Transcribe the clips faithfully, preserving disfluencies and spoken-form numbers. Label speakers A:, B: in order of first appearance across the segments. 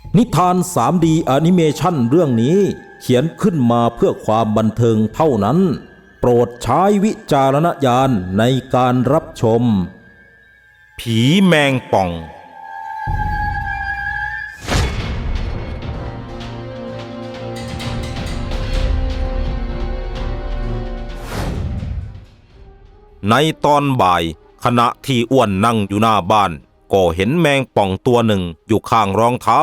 A: นิทาน ทรี ดี แอนิเมชันเรื่องนี้เขียนขึ้นมาเพื่อความบันเทิงเท่านั้นโปรดใช้วิจารณญาณในการรับชม
B: ผีแมงป่องในตอนบ่ายขณะที่อ้วนนั่งอยู่หน้าบ้านก็เห็นแมงป่องตัวหนึ่งอยู่ข้างรองเท้า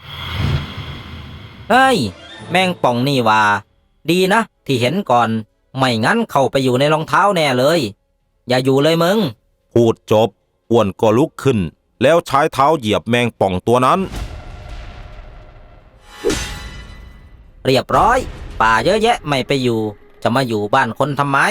C: เฮ้ยแมงป่องนี่ว่าดีนะที่เห็นก่อนไม่งั้นเข้าไปอยู่ในรองเท้าแน่เลยอย่าอยู่เลยมึง
B: พูดจบอ้วนก็ลุกขึ้นแล้วใช้เท้าเหยียบแมงป่องตัวนั้น
C: เรียบร้อยป่าเยอะแยะไม่ไปอยู่จะมาอยู่บ้านคนทำไม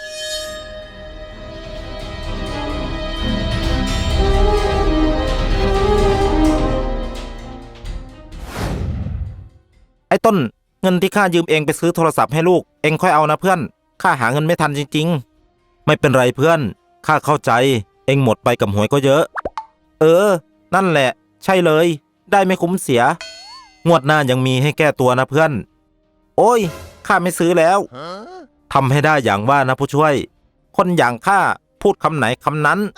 B: ไอ้ต้นเงินที่ข้ายืมเองไปซื้อโทรศัพท์ให้ลูกเองค่อยเอานะเพื่อนข้าหาเงินไม่ทันจริงๆไม่เป็นไรเพื่อนข้าเข้าใจเองหมดไปกับหวยก็เยอะเออนั่นแหละใช่เลยได้ไม่คุ้มเสียงวดหน้ายังมีให้แก้ตัวนะเพื่อนโอ้ยข้าไม่ซื้อแล้วทำให้ได้อย่างว่านะผู้ช่วยคนอย่างข้าพูดคำไหนคำนั้น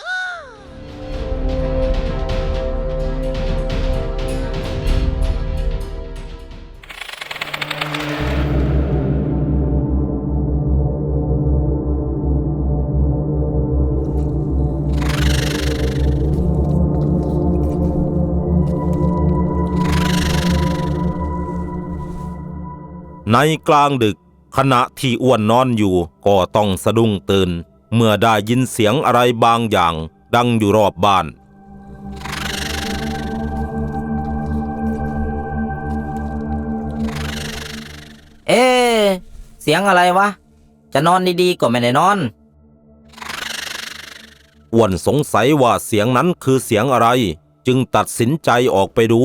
B: ในกลางดึกขณะที่อ้วนนอนอยู่ก็ต้องสะดุ้งตื่นเมื่อได้ยินเสียงอะไรบางอย่างดังอยู่รอบบ้าน
C: เอ๊ะเสียงอะไรวะจะนอนดีๆก็ไม่ได้นอน
B: อ้วนสงสัยว่าเสียงนั้นคือเสียงอะไรจึงตัดสินใจออกไปดู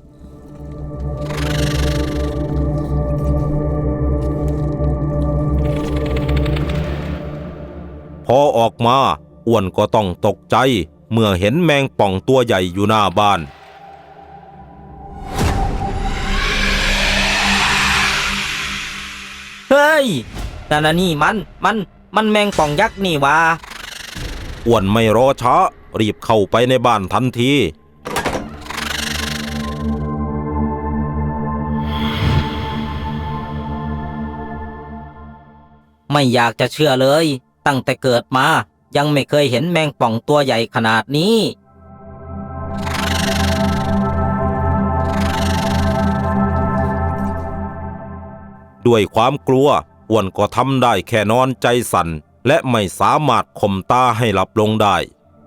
B: พอออกมาอ้วนก็ต้องตกใจเมื่อเห็นแมงป่องตัวใหญ่อยู่หน้าบ้าน
C: เฮ้ยนั่นน่ะนี่มันมันมันแมงป่องยักษ์นี่วะ
B: อ้วนไม่รอช้ารีบเข้าไปในบ้านทันที
C: ไม่อยากจะเชื่อเลยตั้งแต่เกิดมายังไม่เคยเห็นแมงป่องตัวใหญ่ขนาดนี้
B: ด้วยความกลัวอ้วนก็ทำได้แค่นอนใจสั่นและไม่สามารถข่มตาให้หลับลงได้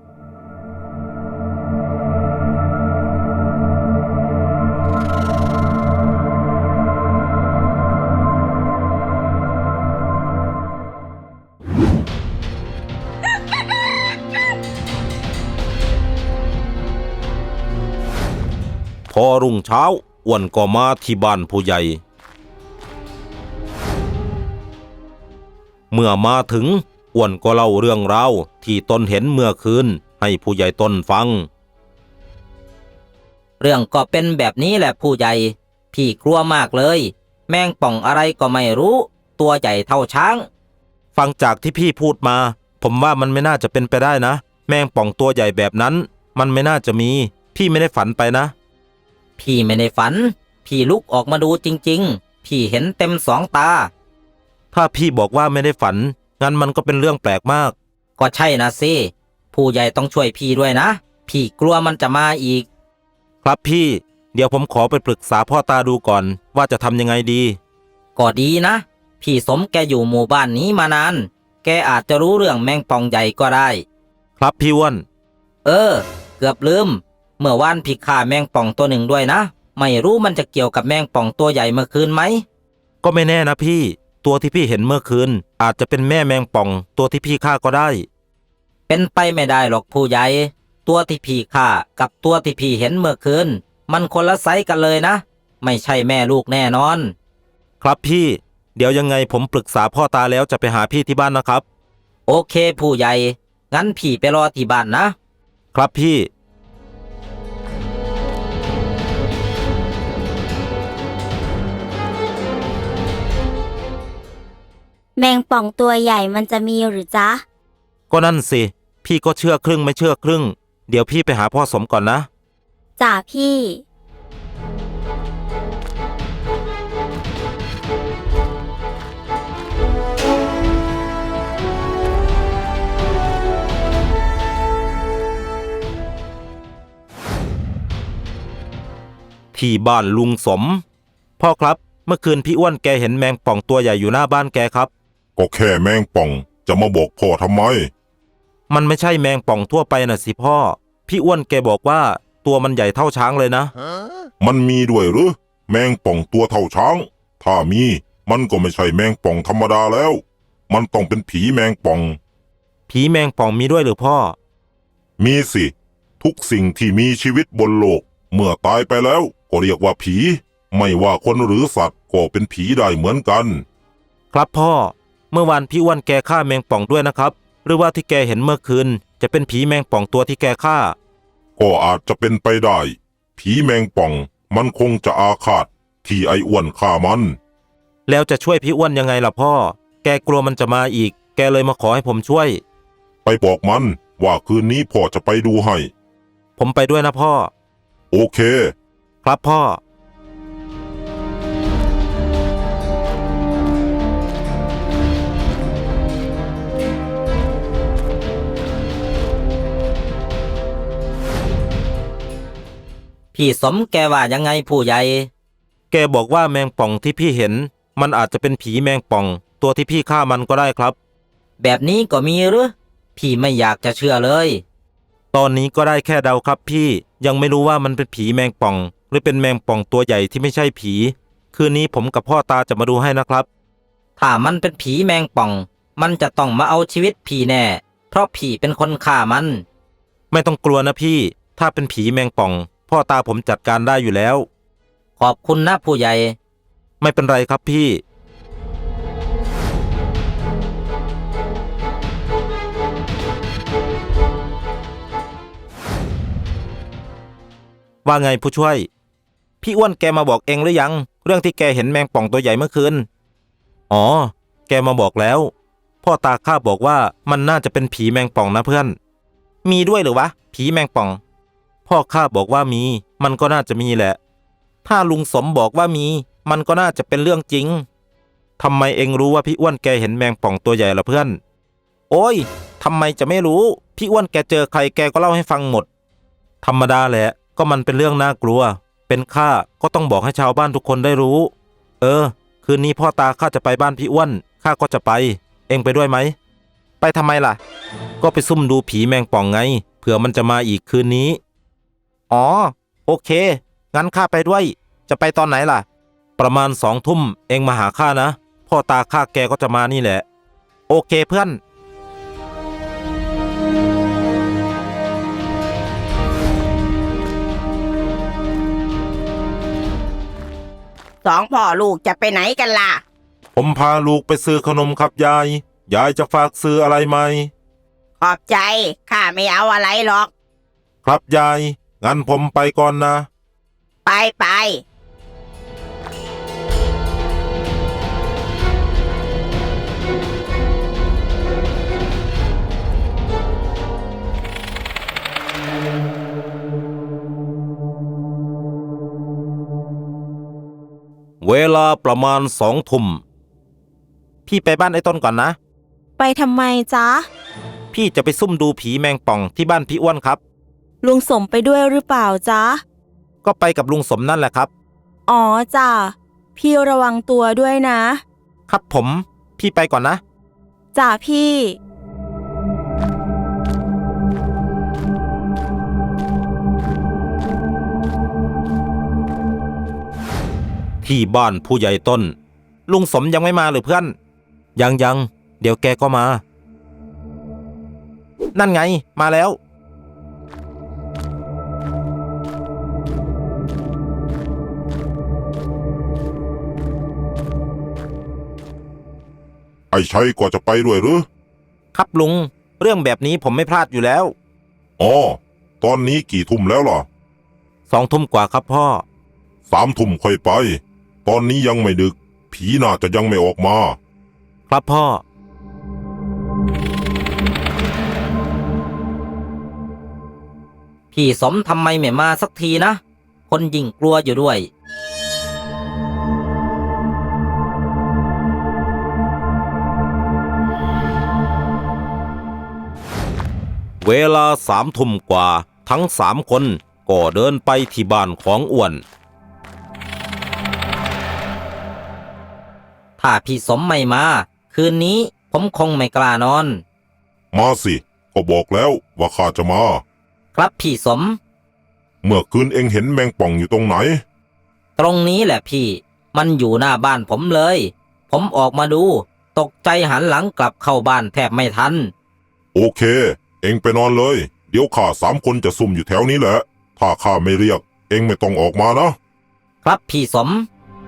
B: พอรุ่งเช้าอ้วนก็มาที่บ้านผู้ใหญ่เมื่อมาถึงอ้วนก็เล่าเรื่องราวที่ตนเห็นเมื่อคืนให้ผู้ใหญ่ต้นฟัง
C: เรื่องก็เป็นแบบนี้แหละผู้ใหญ่พี่กลัวมากเลยแมงป่องอะไรก็ไม่รู้ตัวใหญ่เท่าช้าง
B: ฟังจากที่พี่พูดมาผมว่ามันไม่น่าจะเป็นไปได้นะแมงป่องตัวใหญ่แบบนั้นมันไม่น่าจะมีพี่ไม่ได้ฝันไปนะ
C: พี่ไม่ได้ฝันพี่ลุกออกมาดูจริงๆพี่เห็นเต็มสองตา
B: ถ้าพี่บอกว่าไม่ได้ฝันงั้นมันก็เป็นเรื่องแปลกมาก
C: ก็ใช่นะสิผู้ใหญ่ต้องช่วยพี่ด้วยนะพี่กลัวมันจะมาอีก
B: ครับพี่เดี๋ยวผมขอไปปรึกษาพ่อตาดูก่อนว่าจะทำยังไงดี
C: ก็ดีนะพี่สมแกอยู่หมู่บ้านนี้มานานแกอาจจะรู้เรื่องแมงป่องใหญ่ก็ได้
B: ครับพี่อ้วน
C: เออเกือบลืมเมื่อวานพี่ฆ่าแมงป่องตัวหนึ่งด้วยนะไม่รู้มันจะเกี่ยวกับแมงป่องตัวใหญ่เมื่อคืนไหม
B: ก็ไม่แน่นะพี่ตัวที่พี่เห็นเมื่อคืนอาจจะเป็นแม่แมงป่องตัวที่พี่ฆ่าก็ได้
C: เป็นไปไม่ได้หรอกผู้ใหญ่ตัวที่พี่ฆ่ากับตัวที่พี่เห็นเมื่อคืนมันคนละไซส์กันเลยนะไม่ใช่แม่ลูกแน่นอน
B: ครับพี่เดี๋ยวยังไงผมปรึกษาพ่อตาแล้วจะไปหาพี่ที่บ้านนะครับ
C: โอเคผู้ใหญ่งั้นพี่ไปรอที่บ้านนะครับ
B: พี่
D: แมงป่องตัวใหญ่มันจะมีหรือจ๊ะ
B: ก็นั่นสิ พี่ก็เชื่อครึ่งไม่เชื่อครึ่ง เดี๋ยวพี่ไปหาพ่อสมก่อนนะ
D: จ่าพี่
B: ที่บ้านลุงสม พ่อครับ เมื่อคืนพี่อ้วนแกเห็นแมงป่องตัวใหญ่อยู่หน้าบ้านแกครับ
E: ก็แค่แมงป่องจะมาบอกพ่อทำไม
B: มันไม่ใช่แมงป่องทั่วไปน่ะสิพ่อ พี่อ้วนแกบอกว่าตัวมันใหญ่เท่าช้างเลยนะ
E: มันมีด้วยหรือแมงป่องตัวเท่าช้าง ถ้ามีมันก็ไม่ใช่แมงป่องธรรมดาแล้ว มันต้องเป็นผีแมงป่อง
B: ผีแมงป่องมีด้วยหรือพ่อ
E: มีสิ ทุกสิ่งที่มีชีวิตบนโลก เมื่อตายไปแล้วก็เรียกว่าผี ไม่ว่าคนหรือสัตว์ก็เป็นผีได้เหมือนกัน
B: ครับพ่อ เมื่อวานพี่อ้วนแกฆ่าแมงป่องด้วยนะครับ หรือว่าที่แกเห็นเมื่อคืนจะเป็นผีแมงป่องตัวที่แกฆ่า
E: ก็อาจจะเป็นไปได้ ผีแมงป่องมันคงจะอาฆาตที่ไอ้อ้วนฆ่ามัน
B: แล้วจะช่วยพี่อ้วนยังไงล่ะพ่อ แกกลัวมันจะมาอีก แกเลยมาขอให้ผมช่วย
E: ไปบอกมันว่าคืนนี้พ่อจะไปดูให้
B: ผมไปด้วยนะพ่อ
E: โอเค
B: ครับพ่อ
C: พี่สมแกว่ายังไงผู้ใหญ่
B: แกบอกว่าแมงป่องที่พี่เห็น มันอาจจะเป็นผีแมงป่อง ตัวที่พี่ฆ่ามันก็ได้ครับ
C: แบบนี้ก็มีหรือพี่ไม่อยากจะเชื่อเลย
B: ตอนนี้ก็ได้แค่เดาครับพี่ยังไม่รู้ว่ามันเป็นผีแมงป่อง หรือเป็นแมงป่องตัวใหญ่ที่ไม่ใช่ผี คืนนี้ผมกับพ่อตาจะมาดูให้นะครับ
C: ถ้ามันเป็นผีแมงป่อง มันจะต้องมาเอาชีวิตพี่แน่ เพราะพี่เป็นคนฆ่ามัน
B: ไม่ต้องกลัวนะพี่ ถ้าเป็นผีแมงป่อง พ่อตาผมจัดการได้อยู่แล้ว
C: ขอบคุณนะผู้ใหญ่
B: ไม่เป็นไรครับพี่ ว่าไงผู้ช่วย พี่อ้วนแกมาบอกเองหรือยัง เรื่องที่แกเห็นแมงป่องตัวใหญ่เมื่อคืน อ๋อ แกมาบอกแล้ว พ่อตาข้าบอกว่ามันน่าจะเป็นผีแมงป่องนะเพื่อน มีด้วยหรือวะ ผีแมงป่อง พ่อข้าบอกว่ามี มันก็น่าจะมีแหละ ถ้าลุงสมบอกว่ามี มันก็น่าจะเป็นเรื่องจริง ทำไมเองรู้ว่าพี่อ้วนแกเห็นแมงป่องตัวใหญ่ล่ะเพื่อน โอ้ย ทำไมจะไม่รู้ พี่อ้วนแกเจอใครแกก็เล่าให้ฟังหมด ธรรมดาแหละ ก็มันเป็นเรื่องน่ากลัว เป็นข้าก็ต้องบอกให้ชาวบ้านทุกคนได้รู้ เออ คืนนี้พ่อตาข้าจะไปบ้านพี่อ้วน ข้าก็จะไป เองไปด้วยไหม ไปทำไมล่ะ ก็ไปซุ่มดูผีแมงป่องไง เผื่อมันจะมาอีกคืนนี้ อ๋อ โอเค งั้นข้าไปด้วย จะไปตอนไหนล่ะ ประมาณสองทุ่มเองมาหาข้านะ พ่อตาข้าแกก็จะมานี่แหละ โอเคเพื่อน
F: สองพ่อลูกจะไปไหนกันล่ะ
B: ผมพาลูกไปซื้อขนมครับยาย ยายจะฝากซื้ออะไรไหม
F: ขอบใจ ข้าไม่เอาอะไรหรอก
B: ครับยาย งั้นผมไปก่อนนะ
F: ไปไป
B: เวลาประมาณสองทุ่ม พี่ไปบ้านไอ้ต้นก่อนนะ
D: ไปทำไมจ๊ะ
B: พี่จะไปซุ่มดูผีแมงป่องที่บ้านพี่อ้วนครับ
D: ลุงสมไปด้วยหรือเปล่าจ๊ะ
B: ก็ไปกับลุงสมนั่นแหละครับ
D: อ๋อจ้ะพี่ระวังตัวด้วยนะ
B: ครับผม พี่ไปก่อนนะ
D: จ้ะพี่
B: ที่บ้านผู้ใหญ่ต้น ลุงสมยังไม่มาหรือเพื่อน ยังยังเดี๋ยวแกก็มา นั่นไงมาแล้ว
E: ไอ้ชัยก็จะไปด้วยหรือ
B: ครับลุง เรื่องแบบนี้ผมไม่พลาดอยู่แล้ว
E: อ๋อ ตอนนี้กี่ทุ่มแล้วล่ะ
B: สองทุ่มกว่าครับพ่อ
E: สามทุ่มค่อยไป ตอนนี้ยังไม่ดึก ผีน่าจะยังไม่ออกมา
B: ครับพ่อ
C: พี่สมทำไมไม่มาสักทีนะ คนยิ่งกลัวอยู่ด้วย
B: เวลาสามทุ่มกว่าทั้งสามคนก็เดินไปที่บ้านของอ้วน
C: ถ้าพี่สมไม่มา คืนนี้ผมคงไม่กล้านอน
E: มาสิ ก็บอกแล้วว่าข้าจะมา
C: ครับพี่สม
E: เมื่อคืนเองเห็นแมงป่องอยู่ตรงไหน
C: ตรงนี้แหละพี่ มันอยู่หน้าบ้านผมเลย ผมออกมาดู ตกใจหันหลังกลับเข้าบ้านแทบไม่ทัน
E: โอเค เองไปนอนเลย เดี๋ยวข้าสามคนจะซุ่มอยู่แถวนี้แหละ ถ้าข้าไม่เรียก เองไม่ต้องออกมานะ
C: ครับพี่สม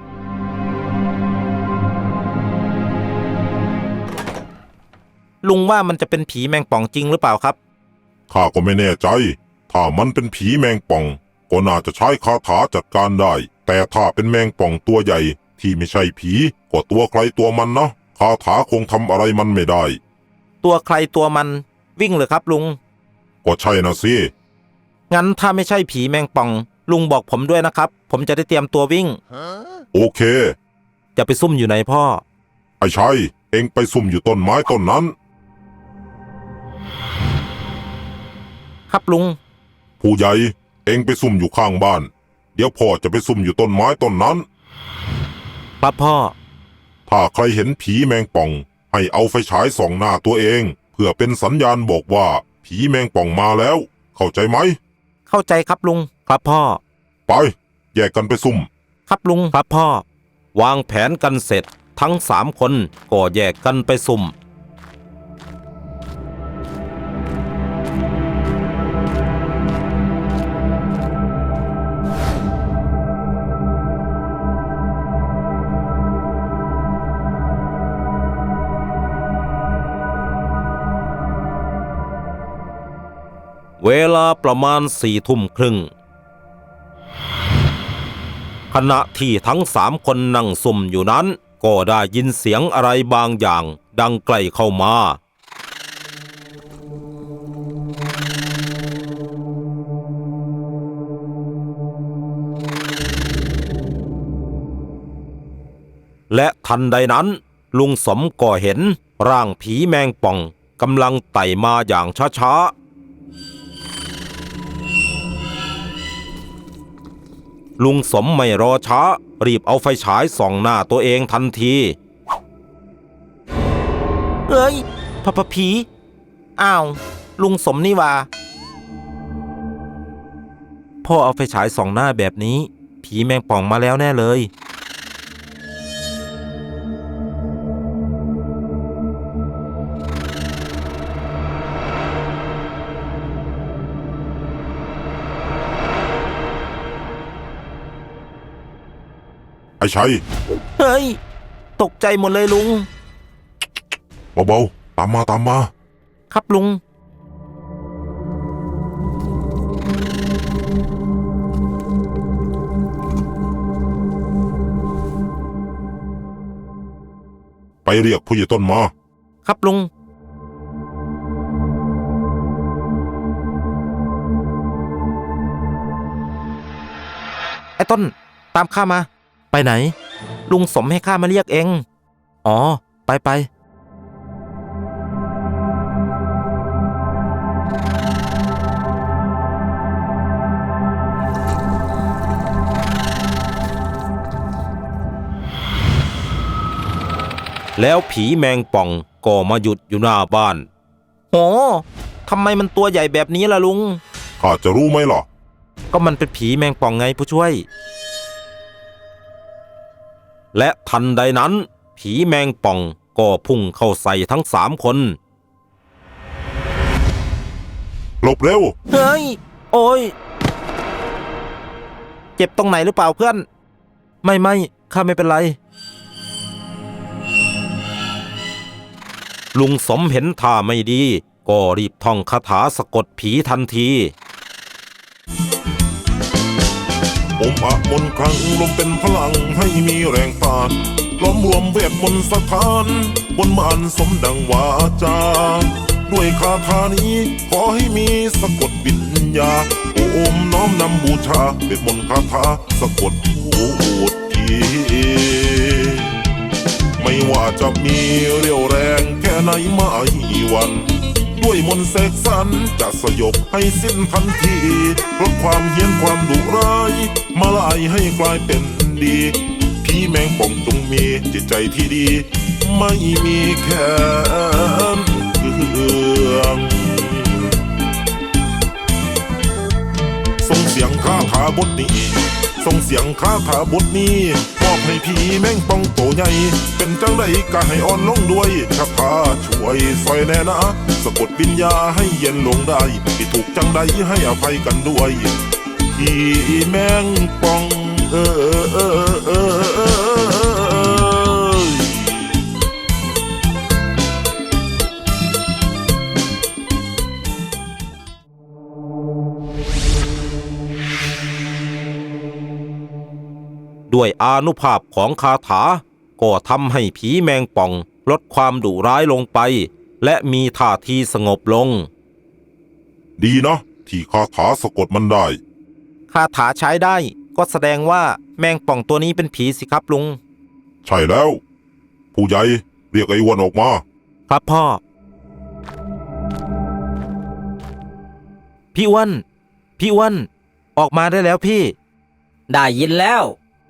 B: ลุงว่ามันจะเป็นผีแมงป่องจริงหรือเปล่าครับ
E: ข้าก็ไม่แน่ใจ ถ้ามันเป็นผีแมงป่อง ก็น่าจะใช้คาถาจัดการได้ แต่ถ้าเป็นแมงป่องตัวใหญ่ที่ไม่ใช่ผี ก็ตัวใครตัวมันนะ คาถาคงทำอะไรมันไม่ได้
B: ตัวใครตัวมันวิ่งเหรอครับลุง
E: ก็ใช่นะสิ
B: งั้นถ้าไม่ใช่ผีแมงป่อง ลุงบอกผมด้วยนะครับ ผมจะได้เตรียมตัววิ่ง
E: โอเค
B: จะไปซุ่มอยู่ไหนพ่อ
E: ไอ้ชัย เองไปซุ่มอยู่ต้นไม้ต้นนั้น
B: ครับลุง
E: ผู้ใหญ่ เองไปซุ่มอยู่ข้างบ้าน เดี๋ยวพ่อจะไปซุ่มอยู่ต้นไม้ต้นนั้น
B: ครับพ่อ
E: ถ้าใครเห็นผีแมงป่อง ให้เอาไฟฉายส่องหน้าตัวเอง เพื่อเป็นสัญญาณบอกว่าผีแมงป่องมาแล้ว เข้าใจไหม
B: เข้าใจครับลุง ครับพ่อ
E: ไป แยกกันไปซุ่ม
B: ครับลุง ครับพ่อ วางแผนกันเสร็จทั้งสามคนก็แยกกันไปซุ่ม เวลาประมาณสี่ทุ่มครึ่ง ขณะที่ทั้งสามคนนั่งซุ่มอยู่นั้น ก็ได้ยินเสียงอะไรบางอย่างดังใกล้เข้ามา และทันใดนั้น ลุงสมก็เห็นร่างผีแมงป่องกำลังไต่มาอย่างช้าๆ ลุงสมไม่รอช้ารีบเอาไฟฉายส่องหน้าตัวเองทันทีเอ้ยพะพะผีอ้าวลุงสมนี่ว่าพ่อเอาไฟฉายส่องหน้าแบบนี้ผีแมงป่องมาแล้วแน่เลย
E: ไอ้ชัย
B: เฮ้ยตกใจหมดเลยลุง
E: เบาๆ ตามมาตามมา
B: ครับลุง
E: ไปเรียกผู้ใหญ่ต้นมา
B: ครับลุง ไอ้ต้นตามข้ามาไปไหนลุงสมให้ข้ามาเรียกเองอ๋อไปไปแล้วผีแมงป่องก็มาหยุดอยู่หน้าบ้านโหทำไมมันตัวใหญ่แบบนี้ล่ะลุง
E: ข้าจะรู้ไหมล่ะ
B: ก็มันเป็นผีแมงป่องไงผู้ช่วยและทันใดนั้นผีแมงป่องก็พุ่งเข้าใส่ทั้งสามคน
E: หลบเร็ว
B: เฮ้ยโอ้ยเจ็บตรงไหนหรือเปล่าเพื่อนไม่ไม่ข้าไม่เป็นไรลุงสมเห็นท่าไม่ดีก็รีบท่องคาถาสะกดผีทันที
E: อมอะมนต์ครั้งลมเป็นพลังให้มีแรงต้านล้อมรวมเวทมนต์สถานบนบานสมดังวาจาด้วยคาถานี้ขอให้มีสะกดวิญญาโอมน้อมนำบูชาเวทมนต์คาถาสะกดพูดผีไม่ว่าจะมีเรี่ยวแรงแค่ไหนไม่หวันด้วยมนต์เสกสรรจะสยบให้สิ้นทันทีลดความเฮี้ยนความดุร้ายมาลายให้กลายเป็นดีผีแมงป่องจงมีจิตใจที่ดีไม่มีแค้นเคืองส่งเสียงคาถาบทนี้ส่งเสียงคาถาบทนี้มอบให้ผีแมงป่องโตใหญ่เป็นจังใดก็ให้อ่อนลงด้วยคาถาช่วยซอยแน่นะสะกดวิญญาให้เย็นลงได้ที่ถูกจังใดให้อภัยกันด้วยผีแมงป่องเออเออเออเออ
B: ด้วยอานุภาพของคาถาก็ทำให้ผีแมงป่องลดความดุร้ายลงไป และมีท่าทีสงบลง
E: ดีนะที่คาถาสะกดมันได้
B: คาถาใช้ได้ก็แสดงว่าแมงป่องตัวนี้เป็นผีสิครับลุง
E: ใช่แล้ว ผู้ใหญ่เรียกไอ้อ้วนออกมา
B: ครับพ่อ พี่อ้วนพี่อ้วนออกมาได้แล้วพี่
C: ได้ยินแล้ว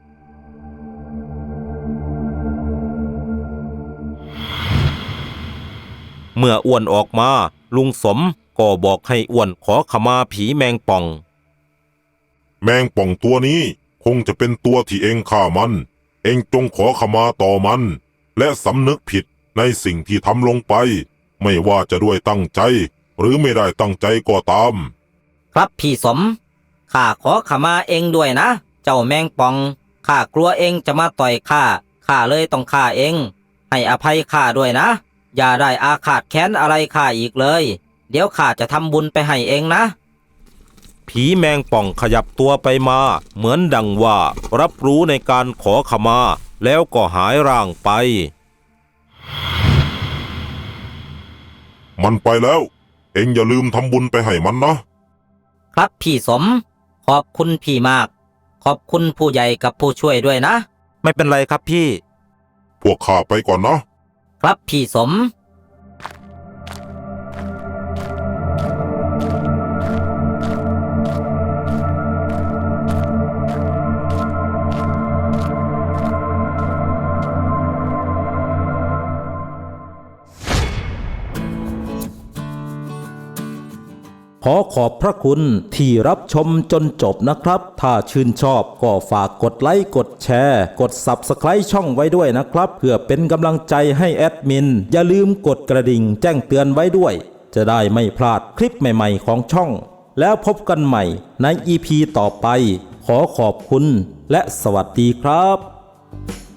B: เมื่ออ้วนออกมาลุงสมก็บอกให้อ้วนขอขมาผีแมงป่อง
E: แมงป่องตัวนี้คงจะเป็นตัวที่เองฆ่ามัน เองจงขอขมาต่อมัน และสำนึกผิดในสิ่งที่ทำลงไป ไม่ว่าจะด้วยตั้งใจ หรือไม่ได้ตั้งใจก็ตาม
C: ครับพี่สมข้าขอขมาเองด้วยนะ เจ้าแมงป่องข้ากลัวเองจะมาต่อยข้าข้าเลยต้องฆ่าเองให้อภัยข้าด้วยนะ อย่าได้อาฆาตแค้นอะไรข้าอีกเลย เดี๋ยวข้าจะทำบุญไปให้เองนะ
B: ผีแมงป่องขยับตัวไปมาเหมือนดังว่ารับรู้ในการขอขมาแล้วก็หายร่างไป
E: มันไปแล้ว เองอย่าลืมทำบุญไปให้มันนะ
C: ครับพี่สมขอบคุณพี่มาก ขอบคุณผู้ใหญ่กับผู้ช่วยด้วยนะ
B: ไม่เป็นไรครับพี่
E: พวกข้าไปก่อนนะ
C: ครับพี่สม
A: ขอขอบพระคุณที่รับชมจนจบนะครับ ถ้าชื่นชอบก็ฝากกดไลค์กดแชร์กด ซับสไครบ์ ช่องไว้ด้วยนะครับ เพื่อเป็นกำลังใจให้แอดมินอย่าลืมกดกระดิ่งแจ้งเตือนไว้ด้วย จะได้ไม่พลาดคลิปใหม่ๆของช่อง แล้วพบกันใหม่ใน อี พี ต่อไป ขอขอบคุณและสวัสดีครับ